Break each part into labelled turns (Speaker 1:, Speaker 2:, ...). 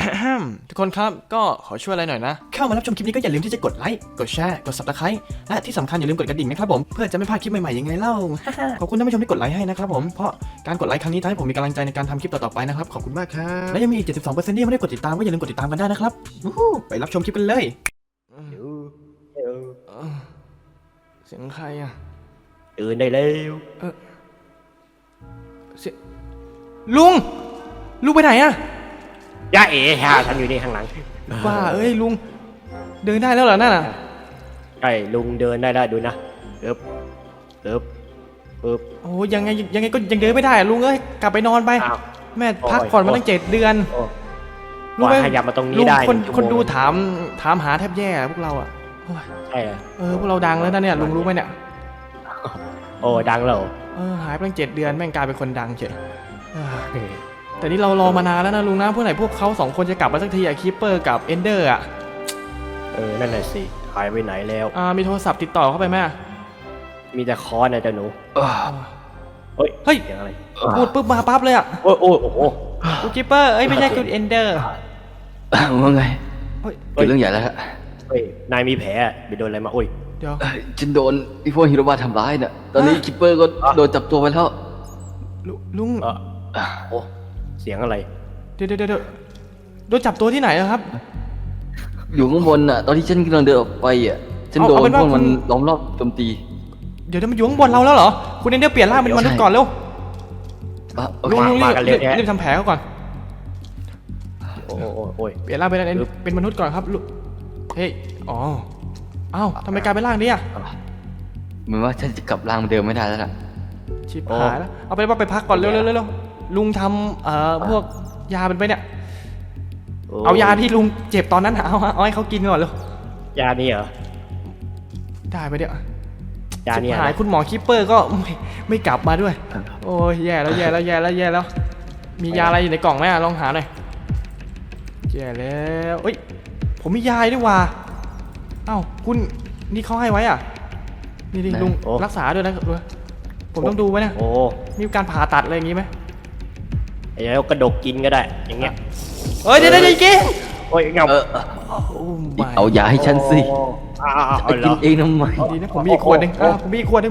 Speaker 1: ทุกคนครับก็ขอช่วยอะไรหน่อยนะเข้ามารับชมคลิปนี้ก็อย่าลืมที่จะกดไลค์กดแชร์กด Subscribe และที่สำคัญอย่าลืมกดกระดิ่งนะครับผมเพื่อจะไม่พลาดคลิปใหม่ๆยังไงเล่า ขอบคุณท่านผู้ชมที่กดไลค์ให้นะครับผมเพราะการกดไลค์ครั้งนี้ทำให้ผมมีกำลังใจในการทำคลิปต่อๆไปนะครับขอบคุณมากครับและยังมีอีก 72%ที่ยังไม่ได้กดติดตามก็อย่าลืมกดติดตามกันได้นะครับไปรับชมคลิปกันเลยเสียงใครอ่ะ
Speaker 2: ตื่นได้แล้ว
Speaker 1: เสียงลุงไปไหนอ่ะ
Speaker 2: ย่าเอ๋ค่ะฉันอยู่นี่ข้างหลัง
Speaker 1: ว่าเอ้ยลุงเดินได้แล้วเหรอนั่นน่ะ
Speaker 2: ใช่ลุงเดินได้ดูนะเอิบ
Speaker 1: โอ้ยังไงก็ยังเดินไม่ได้อะลุงเอ้ยกลับไปนอนไปแม่พักก่อนมาตั้ง7 เดือน
Speaker 2: ลุงขยับมาตรงนี้ได้
Speaker 1: คนดูถามหาแทบแย่พวกเราอ่ะ
Speaker 2: ใช่
Speaker 1: พวกเราดังแล้วนะเนี่ยลุงรู้ไหมเนี่ย
Speaker 2: โอ้ดังแล้ว
Speaker 1: หายไปตั้ง7 เดือนแม่งกลายเป็นคนดังเฉยแต่นี่เรารอมานานแล้วนะลุงนะเพื่อไหนพวกเขา2 คนจะกลับมาสักทีอะคีปเปอร์กับเอนเดอร์อะ
Speaker 2: นั่นน่ะสิหายไปไหนแล้ว
Speaker 1: มีโทรศัพท์ติดต่อเข้าไปไหม
Speaker 2: มีแต่คอนนะเจ้าหนู
Speaker 1: เฮ้ย
Speaker 2: อะไร
Speaker 1: พูดปุ๊บมาปั๊บเลยอะ
Speaker 2: โอ้โห
Speaker 1: กูคีปเปอร์ไม่ใช่กูเอนเดอร์
Speaker 3: ว่าไงเกิดเรื่องใหญ่แล้วฮะ
Speaker 2: นายมีแผลไปโดนอะไรมา
Speaker 1: เดี๋ยว
Speaker 3: ฉันโดนพวกฮิโรบะทำร้ายน่ะตอนนี้คิปเปอร์ก็โดนจับตัวไปแล้ว
Speaker 1: ลุง
Speaker 2: โอ้เสียงอะไร
Speaker 1: เดี๋ยวโดนจับตัวที่ไหนครับ
Speaker 3: อยู่ข้างบนน่ะตอนที่ฉันกำลังเดินออกไปอ่ะฉันโดนพวกมันล้อมรอบโจมตี
Speaker 1: เดี๋ยวมันอยู่ข้างบนเราแล้วเหรอคุณเอนเดอร์เปลี่ยนร่างเป็นมนุษย์ก่อนเร็วลุงรีบทำแผลเขาก่อน
Speaker 2: โอ้ย
Speaker 1: เปลี่ยนร่างเป็นมนุษย์ก่อนครับลุงเฮ้ยทำไมกลายเป็นร่างนี้อ่ะ
Speaker 3: เหมือนว่าฉันจะกลับร่างเดิมไม่ได้แล้วล่ะ
Speaker 1: ชิบหายแล้วเอาไปพักก่อนเร็วลุงทำพวกยาเป็นไปเนี่ยเอายาที่ลุงเจ็บตอนนั้นเอาให้เขากินก่อนเร็วย
Speaker 2: านี่เหรอ
Speaker 1: ได้ไปเดี๋ย
Speaker 2: วยานี่
Speaker 1: หายคุณหมอคิปเปอร์ก็ไม่กลับมาด้วยโอ้ยแย่แล้วมียาอะไรอยู่ในกล่องไหมลองหาหน่อยแย่แล้วผมมียาด้วยว่ะคุณนี่เขาให้ไว้อ่ะนี่ลุงรักษาด้วยนะผมต้องดูไหมเนี่ยมีการผ่าตัดอะไรอย่างงี้ไหม
Speaker 2: แล้วกระดกกินก็ได้อย่างเงี้ย
Speaker 1: เดี๋ยวกิน
Speaker 2: เงา
Speaker 3: เอายาให้ฉันสิจะกินเองทำไม
Speaker 1: ดีนะผมมีอีกขวดนึงผมมีอีกขวดนึง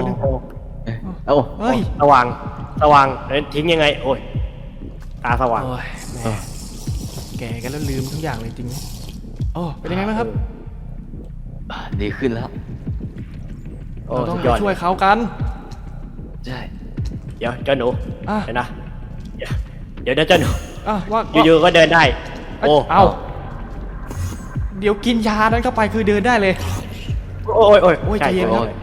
Speaker 2: สว่างทิ้งยังไงตาสว่าง
Speaker 1: แก่กันแล้วลืมทุกอย่างเลยจริงเป็นยังไงบ้างครับ
Speaker 3: ดีขึ้นแล้ว
Speaker 1: เราต้องช่วยเขากัน
Speaker 3: ใช่
Speaker 2: เดี๋ยวเจ้าหนูนะเดี๋ยวเจ้าหนู
Speaker 1: ว่า
Speaker 2: อยู่ๆก็เดินได้
Speaker 1: เดี๋ยวกินยานั้นเข้าไปคือเดินได้เลย
Speaker 2: โอ้ยใจเย็นครับ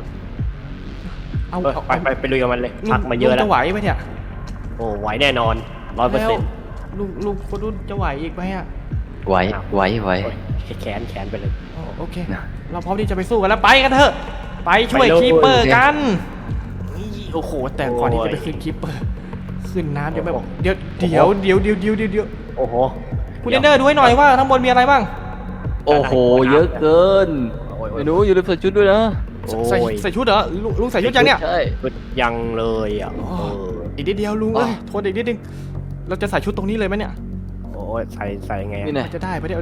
Speaker 2: ไปลุยกับมันเลยพักมาเยอะแล้ว
Speaker 1: จะไหวไหมเนี่ย
Speaker 2: ไหวแน่นอน 100%
Speaker 1: ลุงคนนู้นจะไหวอีกไหม
Speaker 3: ไหว
Speaker 2: แขนไปเลย
Speaker 1: โอเคเราพร้อมที่จะไปสู้กันแล้วไปกันเถอะไปช่วยคีปเปอร์กันโอ้โหแต่ก่อนที่จะไปขึ้นคีปเปอร์ขึ้นน้ำยังไม่บอกเดี๋ยว
Speaker 2: โอ้โห
Speaker 1: คุณเอนเดอร์ดูให้หน่อยว่าทั้งบนมีอะไรบ้าง
Speaker 3: โอ้โหเยอะเกินไม่รู้อยู่ในใส่ชุดด้วยนะ
Speaker 1: ใส่ชุดเหรอลุงใส่ชุดยังเนี่ย
Speaker 3: ใช่
Speaker 2: ยังเลย
Speaker 1: อีกนิดเดียวลุงทนอีกนิดนึงเราจะใส่ชุดตรงนี้เลยไหมเนี่ย
Speaker 2: ใส่ไง
Speaker 1: จะได้ไปเดี๋ยว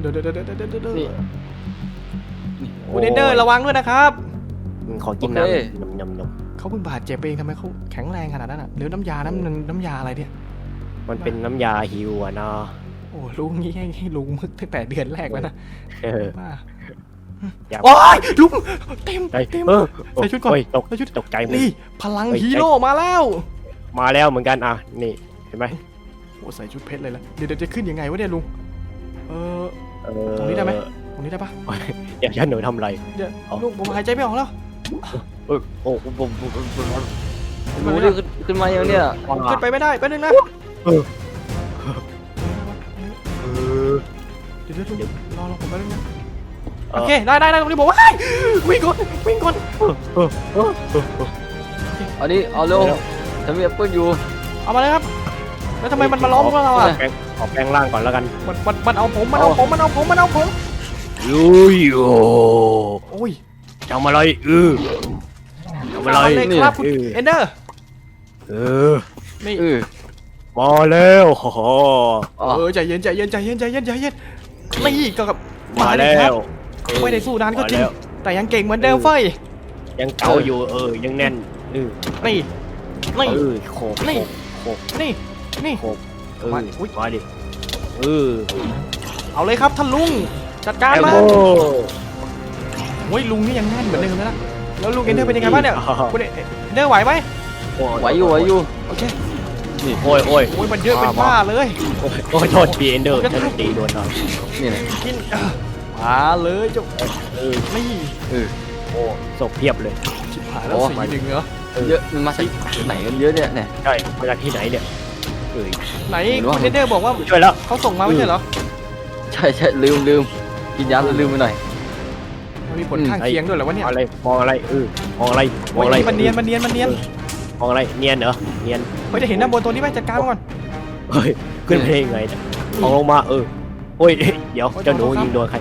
Speaker 1: คุณเอนเดอร์ระวังด้วยนะครับ
Speaker 2: ขอกินน้ำ
Speaker 1: เขาเพิ่งบาดเจ็บเองทำไมเขาแข็งแรงขนาดนั้นหรือน้ำยาอะไรเนี่ย
Speaker 2: มันเป็นน้ำยาฮิวเนาะ
Speaker 1: ลุงงี้ให้ลุงมึกตั้งแต่เดือนแรกแล้วนะลุงเต็มใส่ชุดก่อน
Speaker 2: ตกใจ
Speaker 1: นี่พลังฮีโร่มาแล้ว
Speaker 2: เหมือนกันนี่เห็นไหม
Speaker 1: ใส่ชุดเพชรเลยละเดี๋ยวจะขึ้นยังไงวะเนี่ยลุงตรงนี้ได้ไหมตรงนี้ได้ปะ
Speaker 2: เดี๋ยวฉันหนูทำอะไร
Speaker 1: เดี๋ยวลุงผมหายใจไม่ออกแล้ว
Speaker 3: ขึ้นมาอย่างเนี้ย
Speaker 1: ขึ้นไปไม่ได้แป๊บนึงนะเดี๋ยวรอผมแป๊บนึงนะโอเคได้ตรงนี้บอกว่าวิ่งก่อน
Speaker 3: อันนี้เอาเร็วฉันมีแอปเปิ้ลอยู่
Speaker 1: เอามาเลยครับแล้วทำไมมันมาล้อมพวกเรา
Speaker 2: ขอแปลงร่างก่อนแล้วกัน
Speaker 1: มันเอาผม
Speaker 2: ยู
Speaker 1: โอ้ย
Speaker 2: ทำอะไรทำอะไร
Speaker 1: ครับคุณเอนเดอร์
Speaker 2: นี่มาแล้วโอ้โห
Speaker 3: อ๋อ
Speaker 1: ใจเย็นใจเย็นใจเย็นใจเย็นใจเย็นนี่ก็กับ
Speaker 2: มา
Speaker 1: เลย
Speaker 2: แล้
Speaker 1: ครับ
Speaker 2: ว
Speaker 1: ไม่ได้สู้นานก็จริง
Speaker 2: มาแล้ว
Speaker 1: แต่ยังเก่งเหมือนเดิมเฟ้ย
Speaker 2: ยังเก่าอยู่ยังแน่น
Speaker 1: นี่นี่
Speaker 2: โขก
Speaker 1: นี่
Speaker 2: โขก
Speaker 1: นี่นี่
Speaker 2: โขก
Speaker 1: มา
Speaker 2: มา
Speaker 1: อุ๊ย
Speaker 2: ดิ
Speaker 1: เอาเลยครับท่านลุงจัดการ
Speaker 2: แอม
Speaker 1: มา
Speaker 2: โบ
Speaker 1: โอ้ยลุงนี่ยังแน่นเหมือนเดิมเลยนะแล้วลุงเอนเดอร์เป็นยังไงบ้างเนี่ยคุณเอนเดอร์ไหวไหม
Speaker 3: ไหวอยู่ไหวอยู่
Speaker 1: โอเค
Speaker 2: โอ้ย
Speaker 1: โอ้ยมันเยอะเป็นบ้าเลย
Speaker 2: โอ้ยโทษทีเอนเดอร์ฉันตีโดนหน่อย
Speaker 3: นี่แหละ
Speaker 1: กินมาเลยเจ้า นี่
Speaker 3: เออ
Speaker 2: โอ้ศพเพียบเลย
Speaker 1: ชิบหายแล้ว
Speaker 3: โอ้
Speaker 1: สีหนึ่งเหรอ
Speaker 3: เยอะมันมาจากไหนกันเยอะเนี่ยเนี่ย
Speaker 2: ใช่มาจากที่ไหนเนี่ยเอ้ย
Speaker 1: ไหนคุณเอนเดอร์บอกว่า
Speaker 2: ช่วยแล้ว
Speaker 1: เขาส่งมาไม่ใช่เหรอ
Speaker 3: ใช่ลืมกินยาแล้วลืมไปหน่อย
Speaker 1: มันมีผลข้างเคียงด้วยเหรอวะเนี่ย
Speaker 2: มองอะไรมองอะไรม
Speaker 1: โอ้
Speaker 2: องอะไร
Speaker 1: ยมันเนียนมันเนียนมันเนียน
Speaker 2: มองอะไรเนียนเหรอเนียน
Speaker 1: เฮ้ยจะเห็นด้านบนตัวนี้ไหมจัดการมันก่อน
Speaker 2: เฮ้ยขึ้นไปได้ยังไงเนี่ยมองลงมาโอ้ยเดี๋ยวเจ้าหนูยิงโดนใคร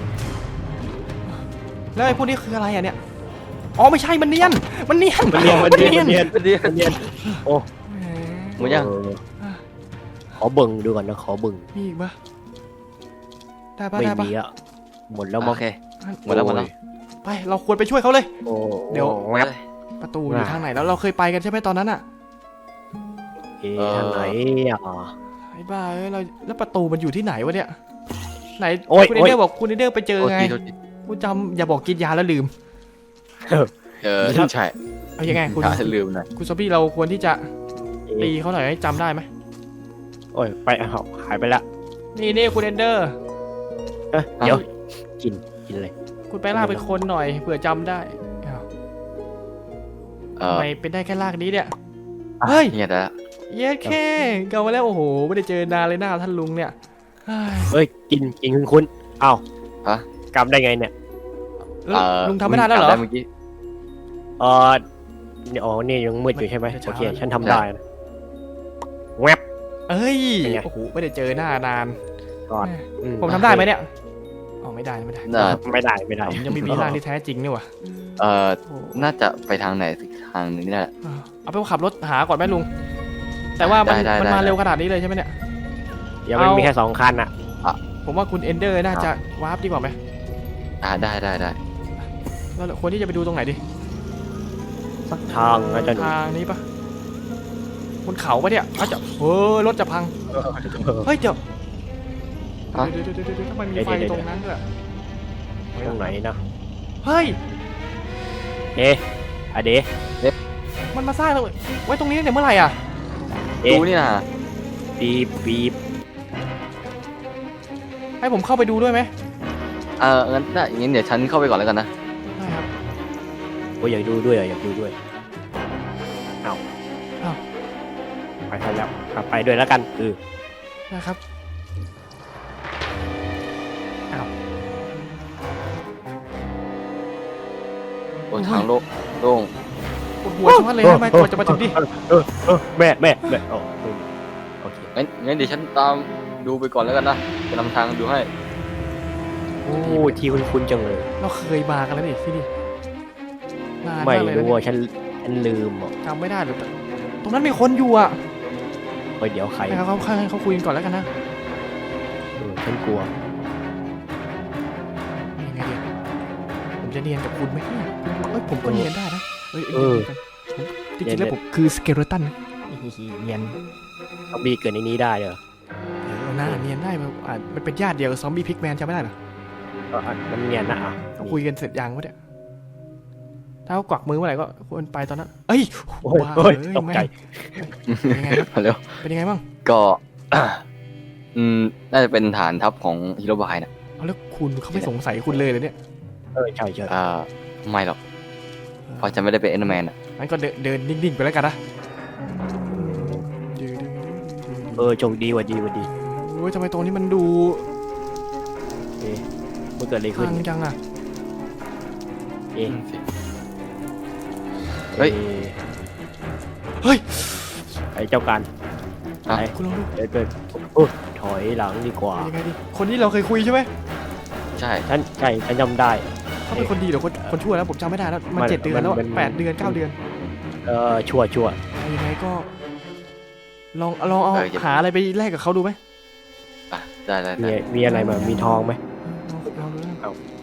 Speaker 1: แล้วไอ้พวกนี้คืออะไรอ่ะเนี่ยอ๋อไม่ใช่มันเนียนมันเนียน
Speaker 2: มันเนียน โอ้
Speaker 3: หมดยัง
Speaker 2: ขอเบิ่งดูก่อนนะขอเบิ่ง
Speaker 1: มีอีกปะได้ปะ
Speaker 2: ไม่
Speaker 1: ได้ปะ
Speaker 2: มีอ่ะหมดแล้วมั้
Speaker 3: โอง เคหมดแล้ว
Speaker 1: ไปเราควรไปช่วยเขาเลย
Speaker 2: โอ้
Speaker 1: เดี๋ยว
Speaker 2: แวบ
Speaker 1: ประตูอยู่ทางไหนแล้วเราเคยไปกันใช่ไหมตอนนั้นอ่ะ
Speaker 2: ทางไหนอ่ะ
Speaker 1: ไอ้บ้าเอ้ยเราแล้วประตูมันอยู่ที่ไหนวะเนี่ยไหน
Speaker 2: โอ้ย
Speaker 1: คุณเอเดอร์บอกคุณเอเดอร์ไปเจอไง
Speaker 3: โทษที
Speaker 1: กูจำอย่าบอกกินยาแล้วลืม
Speaker 3: ใช่
Speaker 1: เอายังไงคุณ
Speaker 3: ลืมหน่อย
Speaker 1: คุณซอมบี้เราควรที่จะตีเขาหน่อยให้จำได้ไหม
Speaker 2: โอ้ยไปหายไปละ
Speaker 1: นี่คุณเอนเดอร์
Speaker 2: เดี๋ยวกินเลย
Speaker 1: คุณไปลากเป็นคนหน่อยเผื่อจำได้อ้าวทำไมเป็นได้แค่ลากนี้เนี่ย เฮ้ย
Speaker 3: เนี่ยแต่
Speaker 1: เย้แค่เกามาแล้วโอ้โหไม่ได้เจอนานเลยหน้าท่านลุงเนี่ยเฮ้ย
Speaker 2: เฮ้ยกินคุณเอ้า
Speaker 3: ฮะ
Speaker 2: กำได้ไงเนี่ย
Speaker 1: แล้วลุงทำไม่ได้แล้วเหรอ
Speaker 3: เมื่อกี้
Speaker 2: นี่อ๋อนี่ยังมืดอยู่ใช่ไหม
Speaker 1: ไม่ใช่
Speaker 2: โอเคฉันทำได้นะแวบ
Speaker 1: เอ้ย
Speaker 2: เป็นไง
Speaker 1: โอ้โหไม่ได้เจอหน้านาน
Speaker 2: ก่อน
Speaker 1: ผมทำได้ไหมเนี่ยอ๋อไม่ได้ไม่ได้
Speaker 3: น่า
Speaker 2: ไม่ได้
Speaker 1: ผมยังไม่มีร่างที่แท้จริงนี่หว่า
Speaker 3: เอ่อ
Speaker 1: โอ้
Speaker 3: น่าจะไปทางไหนสักทางหนึงนี่แหละ
Speaker 1: เอาไปขับรถหาก่อนไหมลุง แต่ว่ามัน
Speaker 3: ได้
Speaker 1: มันมา
Speaker 3: ได้
Speaker 1: เร็วขนาดนี้เลยใช่ไหมเนี่ย
Speaker 2: เดี๋ยวมันมีแค่2 คันอ่ะ
Speaker 1: ผมว่าคุณเอนเดอร์น่าจะวาร์ปดีกว่าไหม
Speaker 3: ได้
Speaker 1: เราควรที่จะไปดูตรงไหนดี
Speaker 2: สักทางนะจ๊ะหนู
Speaker 1: ทางนี้ปะบนเขาปะเนี่ยอาจจะรถจะพัง เฮ้ยเดี๋ยว
Speaker 3: ฮะ
Speaker 1: เดี๋ยวทำไมมีไฟตรงนั้นด้วย
Speaker 2: ตรงไหนนะ
Speaker 1: เฮ้ย
Speaker 2: อะเด
Speaker 1: มันมาสร้างไว้ตรงนี้ตั้งแต่เมื่อไหร่อ่ะ
Speaker 3: ดูนี่นะ
Speaker 2: ปีบ
Speaker 1: ให้ผมเข้าไปดูด้วยไหม
Speaker 3: งั้นได้งั้นเดี๋ยวฉันเข้าไปก่อนแล้วกันนะ
Speaker 1: ได้ครับ
Speaker 2: โอ้ยอยากดูด้วยอยากดูด้วยเอา
Speaker 1: อ้าว
Speaker 2: ไปทันแล้วไปด้วยแล้วกัน
Speaker 1: ได้ครับอ้าว
Speaker 3: บนทางโล่ง
Speaker 1: ปวดหัวชะมัดเลยทำไมตัวจะมาถึงดิ
Speaker 2: แม่โอเค
Speaker 3: งั้นเดี๋ยวฉันตามดูไปก่อนแล้วกันนะจะนำทางดูให้
Speaker 2: โอ้ทีคุ้นจังเลย
Speaker 1: เราเคยมากันแล้วนี่ที่นี่นาน
Speaker 2: ไม่
Speaker 1: มากเลย
Speaker 2: รู้
Speaker 1: นะ
Speaker 2: ว่าฉันลืมอ่ะ
Speaker 1: จำไม่ได้หรือแต่ตรงนั้นมีคนอยู่อ่ะ
Speaker 2: เฮ้ยเดี๋ยวใคร
Speaker 1: ให้เขาคุยกันก่อนแล้วกันนะ
Speaker 2: ฉันกลัว
Speaker 1: ยังไงดีผมจะเนียนกับคุณไหมเนี่ยผมก็เนียนได้นะจริงๆแล้วผมคือสเกเลตันนะเนียน
Speaker 2: ซอมบี้เกิดในนี้ได้เหรอ
Speaker 1: หน้าเนียนได้มันเป็นญาติเดียวกับซอมบี้พิกแมนจำไม่ได้เหรอ
Speaker 2: มันเนียนนะ
Speaker 1: เราคุยกันเสร็จยังวะเนี่ยถ้าเขากวักมือเมื่อไหร่ก็ควรไปตอนนั้นเอ้ย
Speaker 2: โอ้ยตกใจ
Speaker 1: เป็นยังไงครับ
Speaker 3: เร็ว
Speaker 1: เป็นยังไงบ้าง
Speaker 3: ก็ น่าจะเป็นฐานทัพของฮิโรบายนะ
Speaker 1: เอาแล้วคุณเขาไม่สงสัยคุณเลยเนี่ย
Speaker 2: ใช่
Speaker 3: ไม่หรอกเพราะฉันไม่ได้เป็นเอ็นแมนอ่ะ
Speaker 1: งั้นก็เดินนิ่งๆไปแล้วกันนะ
Speaker 2: โชคดีวัดี
Speaker 1: โอ้ยทำไมตรงนี้มันดู
Speaker 2: มันเกิดอะไรขึ้น
Speaker 1: พังจังอ่ะ
Speaker 3: เฮ้ย
Speaker 1: เฮ้ย
Speaker 2: ไอ้เจ้าการ
Speaker 1: คุณลองดู
Speaker 2: เดินถอยหลังดีกว่า
Speaker 1: เป็นยังไงดีคนที่เราเคยคุยใช่ไหม
Speaker 3: ใช่
Speaker 2: ฉันจำได้
Speaker 1: เขาเป็นคนดีหรือคนชั่วแล้วผมจำไม่ได้แล้วมัน 7 เดือนแล้ว
Speaker 2: มัน
Speaker 1: 8 เดือน 9 เดือน
Speaker 2: ชั่ว
Speaker 1: ยังไงก็ลองเอาหาอะไรไปแลกกับเขาดูไหม
Speaker 3: อ่ะได้ได้
Speaker 2: มี
Speaker 3: ได้
Speaker 2: มีอะไรมามีทองไหม
Speaker 1: ลองดูนะ
Speaker 2: เอา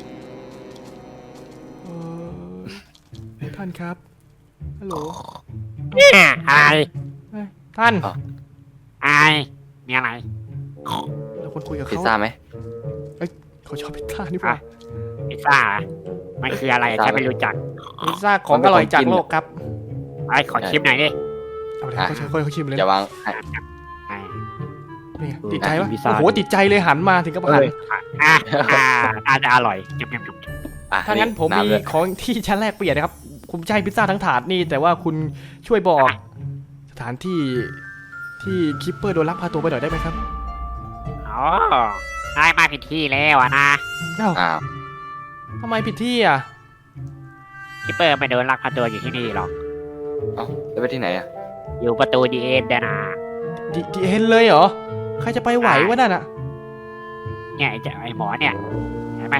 Speaker 1: ท่านครับฮัลโหล
Speaker 4: อะไร
Speaker 1: ท่าน
Speaker 4: อะไรมีอะไร
Speaker 1: เราควรคุยกับ
Speaker 3: พิซ
Speaker 1: เขา
Speaker 3: ซ่าไหม
Speaker 1: เขาชอบพิซซ่านี่ป่ะ
Speaker 4: พิซซ่าเหรอมันคืออะไรฉันไม่รู้จัก
Speaker 1: พิซซ่าของอร่อยจากโลกครับ
Speaker 4: ไอ้ขอชิมหน่อยดิ
Speaker 1: เอาเลยเขาชิมเลย
Speaker 3: อย่าวางให้
Speaker 4: อ่า
Speaker 1: นี่ไงติดใจปะโอ้โหติดใจเลยหันมาถึงกับหัน
Speaker 4: อาจจะอร่อยจุ๊บจุ๊บจุ๊บ
Speaker 3: อ่ะ
Speaker 1: ถ้างั้นผมมี
Speaker 3: ำด้วย
Speaker 1: ของที่ชั้นแรกเปลี่ยนนะครับผมจะให้พิซซ่าทั้งถาดนี่แต่ว่าคุณช่วยบอกสถานที่ที่คิปเปอร์โดนลักพาตัวไปหน่อยได้ไหมครับ
Speaker 4: อ๋อได้มาผิดที่แล้วอะนะ
Speaker 1: เอ้า
Speaker 3: อ้าว
Speaker 1: ทำไมผิดที่อ่ะ
Speaker 4: คิปเปอร์ไม่โดนลักพาตัวอยู่ที่นี่หรอก
Speaker 3: เอ้าแล้วไปที่ไหนอ่ะ
Speaker 4: อยู่ประตูดีเอ็นเดนะ
Speaker 1: ดีเห็นเลยเหรอใครจะไปไหววะนั่นอ่ะ
Speaker 4: เนี่ยไอ้หมอเนี่ยเห็นไหม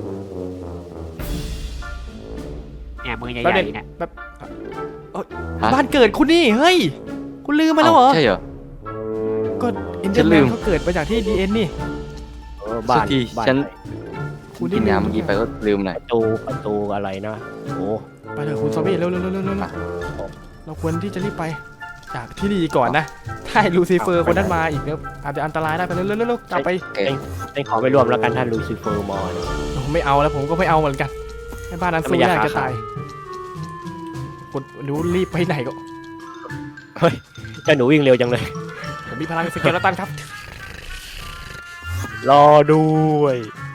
Speaker 4: เนี่ยมือใหญ่ๆเนี่ย
Speaker 1: แบบ
Speaker 3: ฮะ
Speaker 1: บ้านเกิดคุณนี่เฮ้ยคุณลืมไปแล้วเหรอ
Speaker 3: ใช่เหรอ
Speaker 1: ก็เอ็นเด
Speaker 3: ฉั
Speaker 1: อร์
Speaker 3: นลื
Speaker 1: แมน
Speaker 3: ม
Speaker 1: เขาเกิดมาจากที่ดีเอ็นนี่
Speaker 2: บ้าน
Speaker 3: สักที
Speaker 2: บ้าน
Speaker 3: ฉัน
Speaker 1: คุณ
Speaker 3: กินน้ำเมื่อกี้ไปก็ลืมหน่อย
Speaker 2: ประตูอะไรนะโอ้
Speaker 1: ไปเถอะคุณซอมบี้เร็วเราควรที่จะรีบไปจากที่นี่ก่อนนะถ้าลูซิเฟอร์คนนั้นมาอีกเนี่ยอาจจะอันตรายได้ไปเร็วกลับไป
Speaker 3: โอเค
Speaker 2: ได้ขอไปร่วมแล้วกันท่านลูซิเฟอร์มอร์
Speaker 1: ผมไม่เอาแล้วผมก็ไม่เอาเหมือนกันให้บ้านนั้นสู้ยากจะตายคุณดูรีบไปไหนก็
Speaker 2: เฮ้ยเจ้าหนูวิ่งเร็วจังเลย
Speaker 1: ผมมีพลังสเกลตันครับ
Speaker 2: รอด้วย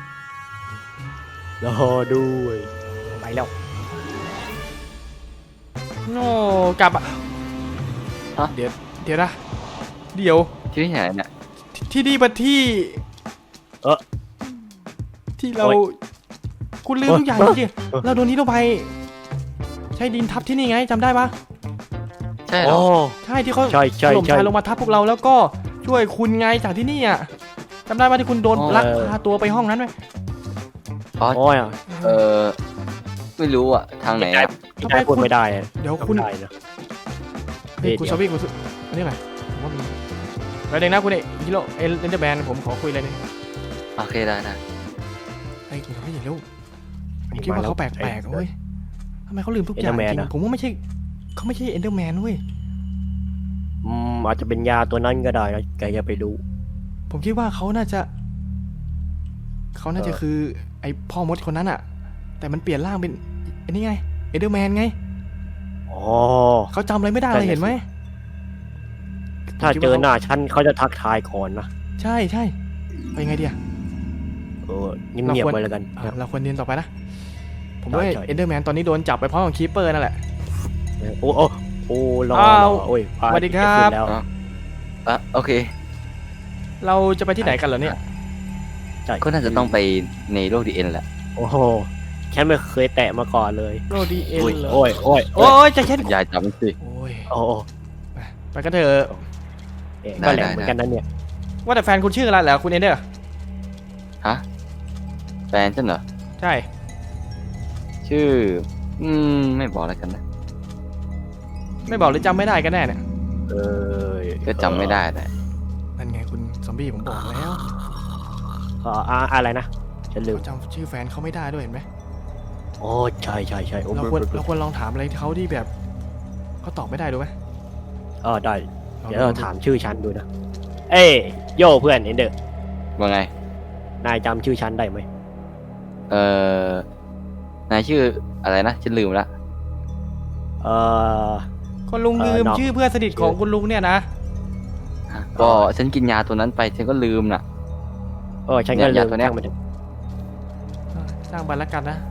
Speaker 2: รอด้วย
Speaker 1: ไปแล้วโน่กลับอ่ะเดี๋ยวนะเดี๋ยว
Speaker 3: ที่ไหนเนี่ย
Speaker 1: ที่นี่มันที่ที่เราคุณลืมทุกอย่างจริงๆเราโดนนี้ลงไปใช้ดินทับที่นี่ไงจำได้ปะ
Speaker 3: ใช่เหร
Speaker 2: โอ้
Speaker 3: อ
Speaker 1: ใช่ที่เขา
Speaker 2: ใช่
Speaker 1: ถล่มทลายลงมาทับพวกเราแล้วก็ช่วยคุณไงจากที่นี่อ่ะจำได้ปะที่คุณโดนลักพาตัวไปห้องนั้นไหม
Speaker 2: โอ้ย
Speaker 3: เออไม่รู้อ่ะทางไหนอ่ะ
Speaker 2: พี่ชายพูดไม่ได้อะ
Speaker 1: เดี๋ยวคุณ
Speaker 2: ได้นะ
Speaker 1: เฮ้ยคุณซอบี้คุณอันนี้ไงผมว่ามันแล้วเด็กนะคุณฮิโร่เอ็นเดอร์แมนผมขอคุยอะไรหนึง
Speaker 3: โอเคได้นะ
Speaker 1: ไอ้คุณซอบี้อย่าเร็วผมคิดว่าเขาแปลกๆเว้ยทำไมเขาลืมทุกอย่างจริงผมว่าไม่ใช่เขาไม่ใช่เอ็นเดอร์แมนเว้ย
Speaker 2: อาจจะเป็นยาตัวนั้นก็ได้นะแกอย่าไปดู
Speaker 1: ผมคิดว่าเขาน่าจะคือไอ้พ่อมดคนนั้นอะแต่มันเปลี่ยนร่างเป็นอันนี้ไงเอ็นเดอร์แมนไง
Speaker 2: อ๋อ
Speaker 1: เขาจำอะไรไม่ได้เลยเห็นไหม
Speaker 2: ถ้าเจอหน้าฉันเขาจะทักทายก่อนนะ
Speaker 1: ใช่ไปยังไงดีอะ
Speaker 2: เงียบๆไปแล้วกัน
Speaker 1: เราควรเรียนต่อไปนะผมว่า
Speaker 2: ใช่
Speaker 1: เอ็นเดอร์แมนตอนนี้โดนจับไปพร้อมกับคีปเปอร์นั่นแหละ
Speaker 2: โอ้รอ
Speaker 1: อ้าว
Speaker 2: โอ้ย
Speaker 1: สวัสดีครับ
Speaker 2: แล้ว
Speaker 3: อ่ะโอเค
Speaker 1: เราจะไปที่ไหนกันเหรอเนี่ย
Speaker 3: ก็น่าจะต้องไปในโลกดีเอ็นแหละ
Speaker 2: โอ้โหฉันไม่เคยแตะมาก่อนเลย
Speaker 1: โรดีเอ็นเหรอ
Speaker 2: โอ้ย
Speaker 1: โอ้ยใจเย็น
Speaker 3: ยายจำสิ
Speaker 1: โอ้ย
Speaker 2: โอ้
Speaker 1: ไปกันเถอะ
Speaker 2: ก็แหลมเหมือนกันนั่นเนี่ย
Speaker 1: ว่าแต่แฟนคุณชื่ออะไรเหรอคุณเอ็นเดอร์
Speaker 3: ฮะแฟนฉันเหรอ
Speaker 1: ใช่
Speaker 3: ชื่อไม่บอกแล้วกันนะ
Speaker 1: ไม่บอกหรือจำไม่ได้กันแน่เนี่ย
Speaker 3: ก็จำไม่ได้แหละ
Speaker 1: นั่นไงคุณซอมบี้ผมบอกแล้ว
Speaker 2: อะไรนะฉันลืม
Speaker 1: เขาจำชื่อแฟนเขาไม่ได้ด้วยเห็นไหม
Speaker 2: โอ้ใช่โอ้
Speaker 1: เราควรลองถามอะไรเขาที่แบบเขาตอบไม่ได้ดูไหม
Speaker 2: ได้ เดี๋ยวเราถามชื่อฉันดูนะ เอ้ยโย่เพื่อนเอ็นเดอร์
Speaker 3: ว่าไง
Speaker 2: นายจำชื่อฉันได้ไหม
Speaker 3: นายชื่ออะไรนะฉันลืมละ
Speaker 1: คนลุงลืมชื่อเพื่อนสนิทของคุณลุงเนี่ยนะ
Speaker 3: ก็ฉันกินยาตัวนั้นไปฉันก็ลืมน่ะ
Speaker 2: ฉันก็ลืม
Speaker 3: ตัวเนี้ย
Speaker 2: มัน
Speaker 1: สร้างบันละกันนะ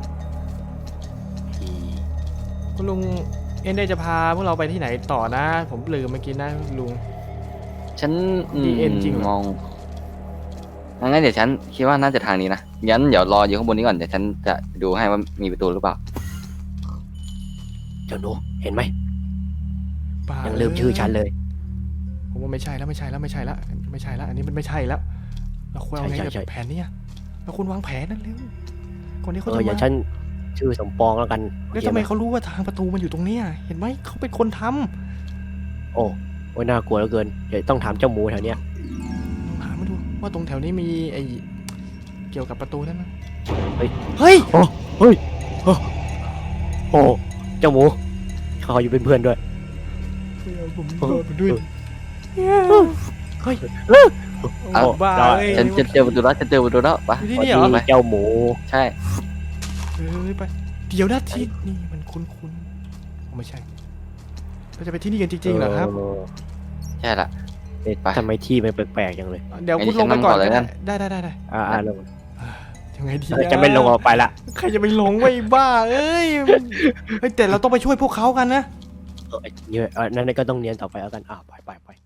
Speaker 1: คุณลุงเอ็นเดอร์จะพาพวกเราไปที่ไหนต่อนะ ผมลืมเมื่อกี้นะลุง
Speaker 3: ฉัน
Speaker 1: DN จริงเหรอ
Speaker 3: มองงั้นเดี๋ยวฉันคิดว่าน่าจะทางนี้นะงั้นเดี๋ยวรออยู่ข้างบนนี้ก่อนเดี๋ยวฉันจะดูให้ว่ามีประตูหรือเปล่า
Speaker 2: เจ้าหนูเห็นไหม
Speaker 1: บ้า
Speaker 2: ยังลืมชื่อฉันเลย
Speaker 1: ผมว่าไม่ใช่แล้วอันนี้มันไม่ใช่แล้วเราควรเอาไง
Speaker 2: ใช่
Speaker 1: กับแผนเนี่ยเราควรวางแผนนั่นเร็วก่อนที่เขา
Speaker 2: อ
Speaker 1: จะ
Speaker 2: ย่า
Speaker 1: มา
Speaker 2: ฉันชื่อสมปองแล้วกัน
Speaker 1: แล้วทำไมเขารู้ว่าทางประตูมันอยู่ตรงเนี้ยเห็นไหมเขาเป็นคนทำ
Speaker 2: โอ้โอ้ยน่ากลัวเหลือเกินเดี๋ยวต้องถามเจ้าหมูแถวเนี้ย
Speaker 1: ลองหามาดูว่าตรงแถวนี้มีไอเกี่ยวกับประตูนั้นไหม
Speaker 2: เฮ้ย
Speaker 1: เฮ้ย
Speaker 2: โอ้เจ้าหมูเขาอยู่เป็นเพื่อนด้วย
Speaker 1: ผมโดนด้วยเฮ้ย
Speaker 3: เอา
Speaker 1: บ้า
Speaker 2: ได้
Speaker 1: เอ้ย
Speaker 3: ฉันเจอประตูแล้วฉันเจอประตูแล้วไป
Speaker 1: อยู่ที่นี่เหรอ
Speaker 2: มีเจ้าหมู
Speaker 3: ใช่
Speaker 1: เอ้ยไปเดี๋ยวนะที่นี่มันคุ้นๆไม่ใช่เราจะไปที่นี่กันจริงๆเหรอครับ
Speaker 3: ใช่ละ
Speaker 2: เอ๊ะ
Speaker 3: ไป
Speaker 2: ทำไมที่มันแปลกๆจังเลย
Speaker 1: เดี๋ยวคุณลงไปก่อน
Speaker 3: งั้นฉันนำก่อนเลยกัน
Speaker 1: ได้
Speaker 2: ลง
Speaker 1: ยังไงดี
Speaker 2: จะไม่ลงออกไปละ
Speaker 1: ใครจะไปลงไว้บ้าเอ้ยเฮ้ยแต่เราต้องไปช่วยพวกเขากันนะ
Speaker 2: นั่นก็ต้องเนียนต่อไปแล้วกันไป